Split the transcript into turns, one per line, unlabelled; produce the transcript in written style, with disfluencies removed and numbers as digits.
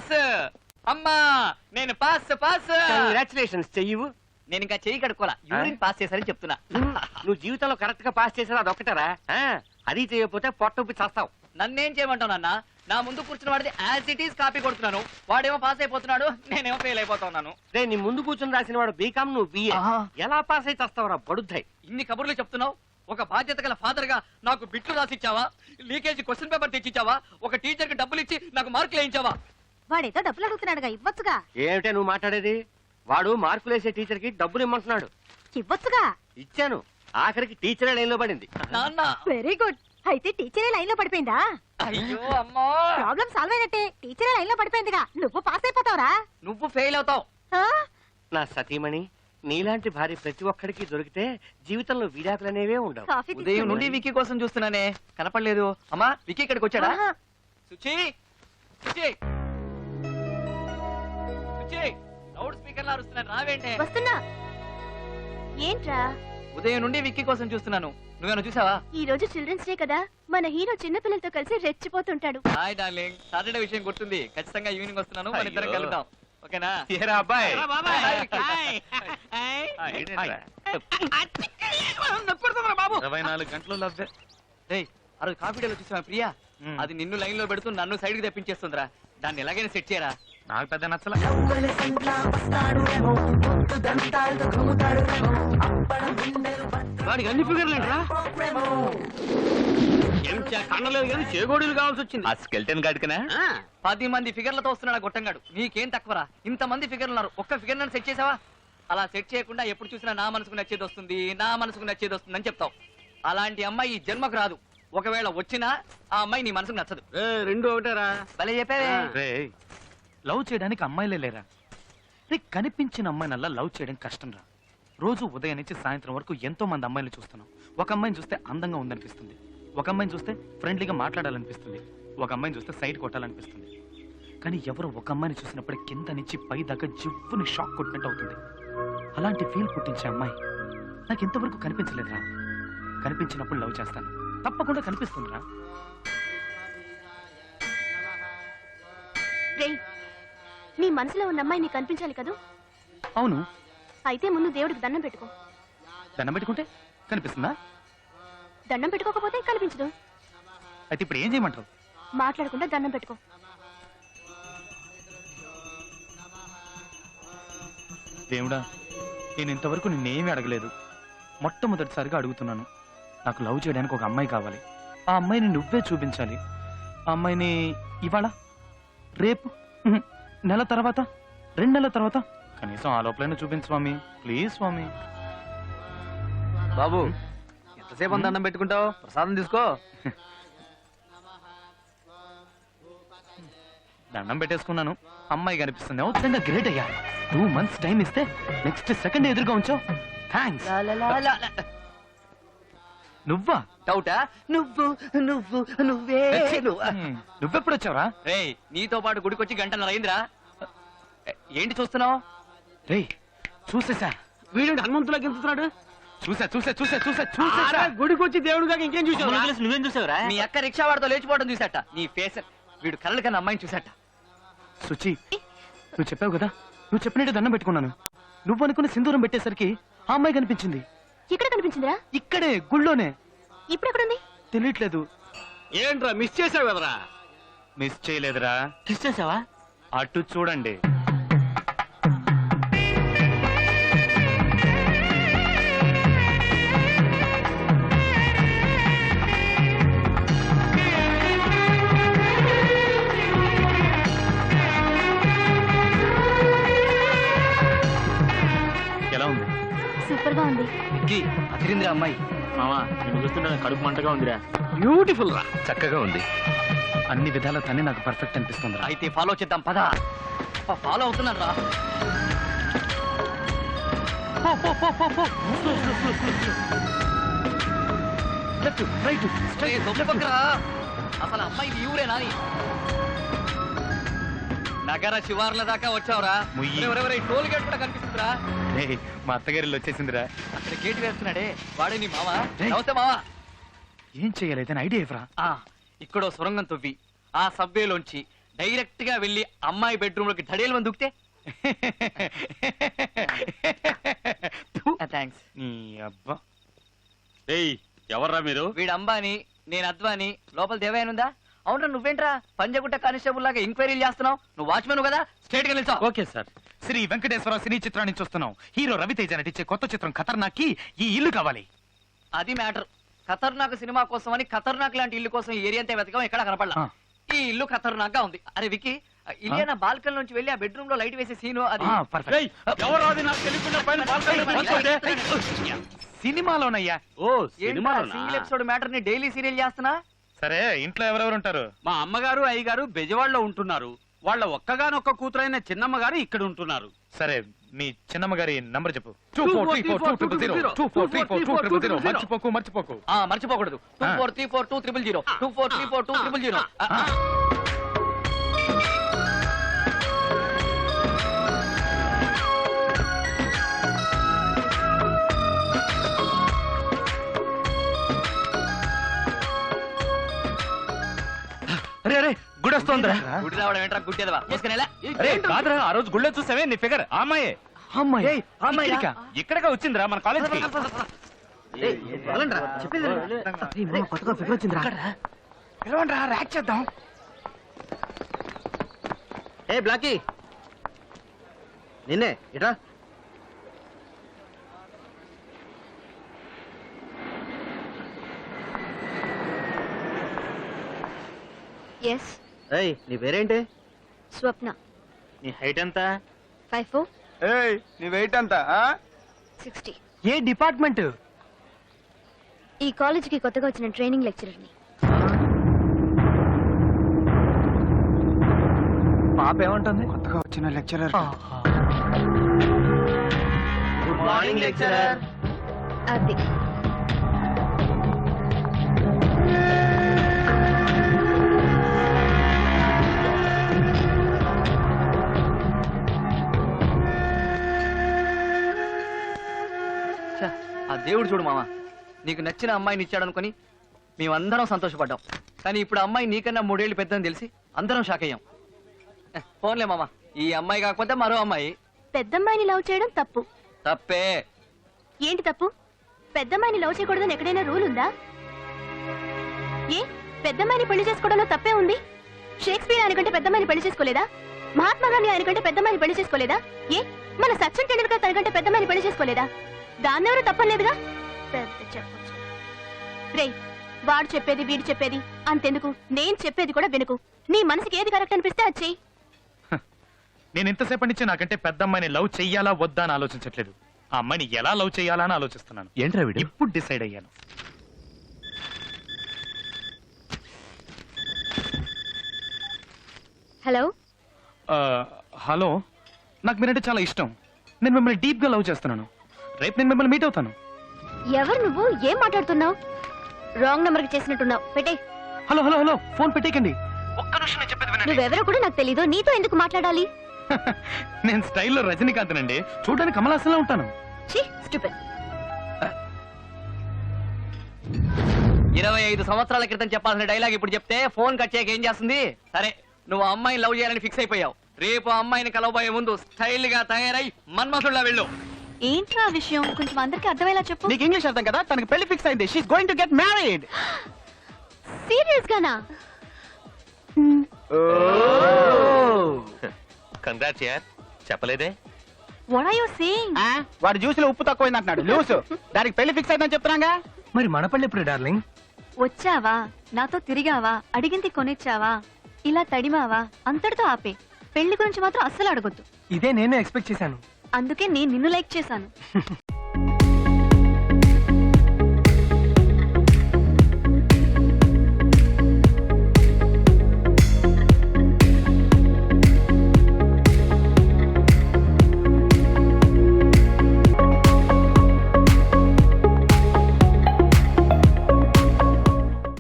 Pass. అమ్మా నేను pass pass.
Congratulations. చెయ్యవు.
నేను ఇంకా చెయ్యి కడుక్కోలా, యూరిన్ పాస్ చేశారని చెప్తున్నా.
నువ్వు జీవితంలో కరెక్ట్ గా పాస్ చేసావు, అదొక్కటారా? అది చేయకపోతే పొట్టొప్పి చేస్తావు.
నన్నేం చేయమంటావు నాన్న? నా ముందు కూర్చున్న వాడిది యాజ్ ఇట్ ఈస్ కాపీ కొడుతున్నాను, వాడేమో పాస్ అయిపోతున్నాడు, నేనేమో ఫెయిల్ అయిపోతున్నాను.
నీ ముందు కూర్చుని రాసిన వాడు బీకామ్, నువ్వు బిఏ. ఎలా పాస్ అయితే వస్తావురా బడుద్దాయి?
ఇన్ని కబుర్లు చెప్తున్నావు. ఒక బాధ్యత గల ఫాదర్ గా నాకు బిట్లు రాసిచ్చావా? లీకేజీ క్వశ్చన్ పేపర్ తెచ్చిచ్చావా? ఒక టీచర్ కి డబ్బులు ఇచ్చి నాకు మార్కులు వేయించావా?
వాడేదో డబ్బులు అడుగుతున్నాడుగా, ఇవ్వచ్చుగా.
ఏమిటే నువ్వు మాట్లాడేది? వాడు మార్కులు వేసే టీచర్ కి డబ్బులు ఇమ్మంటున్నాడు.
ఇవ్వచ్చుగా.
ఇచ్చాను. ఆఖరికి టీచరే లైన్ లో పడింది.
నాన్న
వెరీ గుడ్. అయితే టీచరే లైన్ లో పడిపోయిందా?
అయ్యో అమ్మా,
ప్రాబ్లం సాల్వ్ అయినట్టే. టీచరే లైన్ లో పడిపోయిందిగా, నువ్వు పాస్ అయిపోతావురా.
నువ్వు ఫెయిల్ అవుతావు.
నా సతీమణి, నీలాంటి భార్య ప్రతి ఒక్కడికి దొరికితే జీవితంలో విడాకులనేవే ఉండవు.
ఉదయం నుండి వికీ కోసం చూస్తున్నానే, కనపడలేదు. అమ్మా వికీ ఇక్కడికి వచ్చాడా? సుచి సుచి సుచి, లౌడ్ స్పీకర్ లా అరుస్తున్నాను, రావేంటే?
వస్తున్నా. ఏంట్రా?
ఉదయం నుండి విక్కీ కోసం చూస్తున్నాను, నువ్వేనా చూసావా?
ఈ రోజు చిల్డ్రన్స్ డే కదా, మన హీరో చిన్న పిల్లలతో కలిసి రెచ్చిపోతుంటాడు.
హాయ్ డార్లింగ్, సాటర్డే విషయం గుర్తుంది. ఖచ్చితంగా ఈవినింగ్ వస్తున్నాను, మన ఇద్దరం కలుద్దాం. ఓకేనా?
అబ్బాయి
బాబు
24 గంటలు లవ్వే.
ఆ రోజు కాఫీ డేలో చూసావా ప్రియా? అది నిన్ను లైన్ లో పెడుతూ నన్ను సైడ్ కి తెప్పించేస్తుందిరా. దాన్ని ఎలాగైనా సెట్ చేయరా.
నాకు పెద్ద నచ్చల.
వాడికి అన్ని ఫిగర్లు ఏంట్రా? కండలేదు కానీ చేగోడీలు కావాల్సి వచ్చింది.
ఆ స్కెల్టన్ గాడికనా?
10 మంది ఫిగర్లతో వస్తున్నాడు గొట్టంగాడు. నీకేం తక్కువరా? ఇంత మంది ఫిగర్లు ఉన్నారు, ఒక్క ఫిగర్ నన్ను సెట్ చేసావా? అలా సెట్ చేయకుండా ఎప్పుడు చూసినా నా మనసుకు నచ్చేది వస్తుంది, నా మనసుకు నచ్చేది వస్తుంది అని చెప్తావు. అలాంటి అమ్మాయి ఈ జన్మకు రాదు. ఒకవేళ వచ్చినా ఆ అమ్మాయి నీ మనసుకు నచ్చదు.
రెండు ఒకటేరా.
భలే చెప్పావే.
లవ్ చేయడానికి అమ్మాయిలే లేరా? కనిపించిన అమ్మాయినల్లా లవ్ చేయడం కష్టం రా. రోజు ఉదయం నుంచి సాయంత్రం వరకు ఎంతో మంది అమ్మాయిలు చూస్తున్నాం. ఒక అమ్మాయిని చూస్తే అందంగా ఉందనిపిస్తుంది, ఒక అమ్మాయిని చూస్తే ఫ్రెండ్లీగా మాట్లాడాలనిపిస్తుంది, ఒక అమ్మాయిని చూస్తే సైడ్ కొట్టాలనిపిస్తుంది. కానీ ఎవరో ఒక అమ్మాయిని చూసినప్పుడు కింద నుంచి పై దాకా జివ్వుని షాక్ కొట్టినట్టు అవుతుంది. అలాంటి ఫీల్ పుట్టించే అమ్మాయి నాకు ఇంతవరకు కనిపించలేదురా. కనిపించినప్పుడు లవ్ చేస్తాను, తప్పకుండా కనిపిస్తుందిరా.
నీ మనసులో ఉన్న అమ్మాయి నీకు కనిపించాలి కదా?
అవును.
అయితే ముందు దేవుడికి దండం పెట్టుకో.
దండం పెట్టుకుంటే కనిపిస్తుందా?
దండం పెట్టుకోకపోతే కనిపించదు.
అయితే ఇప్పుడు ఏం చేయమంటారు?
మాట్లాడకుండా దండం పెట్టుకో.
దేవుడా, నేను ఇంతవరకు నిన్నేమీ అడగలేదు, మొట్టమొదటిసారిగా అడుగుతున్నాను. నాకు లవ్ చేయడానికి ఒక అమ్మాయి కావాలి. ఆ అమ్మాయిని నువ్వే చూపించాలి. ఆ అమ్మాయిని ఇవాళ, రేపు, నెల తర్వాత, 2 నెలల తర్వాత, కనీసం ఆ లోపలైనా చూపించు స్వామి, ప్లీజ్ స్వామి.
బాబు ఎంతసేపు దండం పెట్టుకుంటావు? ప్రసాదం తీసుకో.
దండం పెట్టేసుకున్నాను, అమ్మాయి కనిపిస్తుంది. అవుతుందా? గ్రేట్ అయ్యా. 2 months టైం ఇస్తే నెక్స్ట్ సెకండ్ ఎదురుగా ఉంచావు. థ్యాంక్స్. నువ్వా?
డౌటా? నువ్వు నువ్వు నువ్వే.
నువ్వెప్పుడు వచ్చావరా?
రేయ్, నీతో పాటు గుడికొచ్చి గంటన్నర అయిందిరా. ఏంటి చూస్తున్నావు?
రేయ్ చూసేసా.
వీడు హనుమంతులా గెలుస్తున్నాడు.
చూసా చూసా చూసా చూసా చూసా.
గుడికి వచ్చి దేవుడుగా ఇంకేం చూసావు?
నువ్వేం చూసావురా? మీ అక్క రిక్షా వాడితో లేచిపోవడం చూసాట. నీ ఫేస్, వీడు కళ్ళ కన్నా అమ్మాయిని చూసాట.
సుచి, నువ్వు చెప్పావు కదా, నువ్వు చెప్పినట్టు దండం పెట్టుకున్నాను. నువ్వు అనుకున్న సింధూరం పెట్టేసరికి ఆ అమ్మాయి కనిపించింది.
ఎక్కడ కనిపించిందిరా?
ఇక్కడే, గుళ్ళోనే.
ఇప్పుడు ఎక్కడుంది?
తెలియట్లేదు.
ఏంట్రా మిస్ చేసావు కదరా?
మిస్ చేయలేదురా.
మిస్ చేసావా?
అటు చూడండి. ఎలా ఉంది?
సూపర్ గా ఉంది.
అదిరిందిరా అమ్మాయి.
మామా, నేను చూస్తుంటే కడుపు మంటగా ఉందిరా.
బ్యూటిఫుల్ రా.
చక్కగా ఉంది. అన్ని విధాల తనే నాకు పర్ఫెక్ట్ అనిపిస్తుంది.
అయితే ఫాలో చేద్దాం పద. ఫాలో అవుతున్నాను రా. అసలు అమ్మాయి ఊరే నాని. నగర శివార్ల దాకా వచ్చావురా. టోల్ గేట్ కూడా కనిపిస్తుందిరా.
మా అత్తగారిలో వచ్చేసిందిరా.
అక్కడ గేట్ వేస్తున్నాడే, వాడే నీ మావా? నమస్తే మావా.
ఏం చెయ్యాలి? ఐడియా ఇవ్వరా.
ఇక్కడో సొరంగం తవ్వి ఆ సబ్వేలోంచి డైరెక్ట్ గా వెళ్ళి అమ్మాయి బెడ్రూమ్ లోకి ధడేలు మంది దుక్కితే థ్యాంక్స్.
నీ అబ్బా.
ఏయ్ ఎవర్రా మీరు?
వీడు అంబాని, నేను అద్వాని. లోపల దేవయానుందా? అవునరా, నువ్వేంట్రా పంజగుట్ట కానిస్టేబుల్ లాగా ఎంక్వైరీలు చేస్తున్నావు? నువ్వు వాచ్మెన్ కదా, స్ట్రేట్ గా నిల్చో.
Okay sir.
Sri Venkateswara cine చిత్రం నుంచి వస్తున్నాం. హీరో రవితేజ నటించే కొత్త చిత్రం ఖతర్నాక్ కి ఈ ఇల్లు కావాలి.
అది మ్యాటర్. ఖతర్నాక్ సినిమా కోసం అని ఖతర్నాక్ లాంటి ఇల్లు కోసం ఈ ఏరియా అంతా వెతకం, ఎక్కడ కనపడలా.
ఆ.
ఈ ఇల్లు ఖతర్నాక్ గా ఉంది. అరే వికి, ఇలియానా బాల్కన్ నుంచి వెళ్ళి ఆ బెడ్రూమ్ లో లైట్ వేసే సీను అది.
పర్ఫెక్ట్.
ఏయ్ ఎవరు అది నాకు తెలియకుండా పైన బాల్కనీలో కూర్చోండి.
సినిమాలోనయ్యా.
ఓ సినిమాలోనా?
సింగిల్ ఎపిసోడ్ మ్యాటర్ ని డైలీ సీరియల్ చేస్తున్నా.
సరే, ఇంట్లో ఎవరెవరు ఉంటారు?
మా అమ్మగారు అయ్యగారు బెజవాడలో ఉంటున్నారు. వాళ్ళ ఒక్కగానొక్క కూతురైన చిన్నమ్మ గారు ఇక్కడ ఉంటున్నారు.
సరే, మీ చిన్నమ్మ గారి నంబర్ చెప్పు. 24342000 24342000. మర్చిపోకు.
మర్చిపోకూడదు. 24342000 24342000.
అరే అరే గుడి వస్తోందిరా.
గుడి రావడం ఏంట్రా గుడ్డేదవా? మూసుకునేలా.
అరే కాదురా, ఆ రోజు గుళ్ళో చూసావే నీ ఫిగర్ ఆ అమ్మాయే.
అమ్మాయి
అమ్మాయిరా?
ఇక్కడగా వచ్చిందిరా మన కాలేజ్ కి.
ర్యాక్ చేద్దాం.
ఏ బ్లాకీ, నిన్నే ఇట్రా.
ఎస్,
ఏయ్ నీ పేరేంటి?
స్వప్న.
నీ హైట్ ఎంత?
5'4",
ఏయ్ నీ వెయిట్ ఎంత?
60.
ఏ డిపార్ట్మెంట్?
ఈ కాలేజీకి కొత్తగా వచ్చిన ట్రైనింగ్ లెక్చరర్ని.
పాప ఏమంటుంది? కొత్తగా వచ్చిన లెక్చరర్.
Good morning lecturer.
అది
ఛ, ఆ దేవుడు చూడు మామ, నీకు నచ్చిన అమ్మాయిని ఇచ్చాడు అనుకుని మేమందరం సంతోషపడ్డాం. కానీ ఇప్పుడు ఆ అమ్మాయి నీకన్నా 3 ఏళ్ళు పెద్దని తెలిసి అందరం షాక్ అయ్యాం. ఫోన్లే మామ, ఈ అమ్మాయి కాకపోతే మరో అమ్మాయి.
పెద్దమ్మాయిని లవ్ చేయడం తప్పు.
తప్పే.
ఏంటి తప్పు? పెద్దమ్మాయిని లవ్ చేయకూడదని ఎక్కడైనా రూల్ ఉందా? ఏ పెద్దమ్మాయిని పెళ్లి చేసుకోవడంలో తప్పే ఉంది? షేక్స్పియర్ ఆయనకంటే పెద్దమ్మాయిని పెళ్లి చేసుకోలేదా? మహాత్మా గాంధీ ఆయనకంటే పెద్దమ్మాయిని పెళ్లి చేసుకోలేదా? ఏ మన సచిన్ టెండూల్కర్ తనకంటే పెద్దమ్మాయిని పెళ్లి చేసుకోలేదా? దాన్నెవరూ తప్పలేదుగా. పెద్ద చెప్పొచ్చు. రేయ్, వాడు చెప్పేది వీడు చెప్పేది అంతెందుకు, నేను చెప్పేది కూడా వినుకు. నీ మనసుకి ఏది కరెక్ట్ అనిపిస్తే అది చెయ్యి.
నేను ఇంతసేపటి నుంచి నాకంటే పెద్ద అమ్మాయిని లవ్ చెయ్యాలా వద్దా అని ఆలోచించట్లేదు. ఆ అమ్మాయిని ఎలా లవ్ చెయ్యాలా అని ఆలోచిస్తున్నాను.
ఏంట్రా వీడు?
ఇప్పుడు డిసైడ్ అయ్యాను.
హలో,
హలో, నాకు మీరంటే చాలా ఇష్టం. నేను మిమ్మల్ని డీప్ గా లవ్ చేస్తున్నాను. రేపు నేను మిమ్మల్ని మీట్ అవుతాను.
ఎవరు నువ్వు? ఏం మాట్లాడుతున్నావు? రాంగ్ నంబర్ కి చేసినట్టున్నావు. పెట్టే.
హలో హలో హలో, ఫోన్ పెట్టేయకండి. ఒక్క నిమిషం నేను చెప్పేది వినండి.
నువ్వెవరో కూడా నాకు తెలీదు. నీతో ఎందుకు మాట్లాడాలి?
నేను స్టైల్లో రజనీకాంత్ నండి. చూడడానికి కమలాసంలో ఉంటాను.
ఛీ, స్టూపిడ్.
25 సంవత్సరాల క్రితం చెప్పాల్సిన డైలాగ్ ఇప్పుడు చెప్తే ఫోన్ కట్ చేయక ఏం చేస్తుంది? సరే, నువ్వు ఆ అమ్మాయిని లవ్ చేయాలని ఫిక్స్ అయిపోయావు. రేపు ఆ అమ్మాయిని కలవబోయే ముందు స్టైల్ గా తయారై మన్మథుల్లా వెళ్ళు.
ఏంట్రా విషయం? కొంచెం అందరికి అర్థమయ్యేలా చెప్పు.
నీకు ఇంగ్లీష్ అర్థం కదా? తనకి పెళ్లి ఫిక్స్ అయింది. She is going to get married.
Serious గానా?
కంగ్రాట్స్ యార్, చెప్పలేదే.
What are you saying?
వాడు జ్యూస్ లో ఉప్పు తక్కువైంది అంటున్నాడు. లూసు దానికి పెళ్లి ఫిక్స్ అయిందని చెప్తున్నాగా.
మరి మన పళ్ళు ఎప్పుడు డార్లింగ్?
వచ్చావా, నాతో తిరిగావా, అడిగింది కొనిచ్చావా, ఇలా తడిమావా, అంతటితో ఆపే. పెళ్లి గురించి మాత్రం అస్సలు అడగొద్దు.
ఇదే నేను ఎక్స్పెక్ట్ చేశాను.
అందుకే నేను నిన్ను లైక్ చేశాను.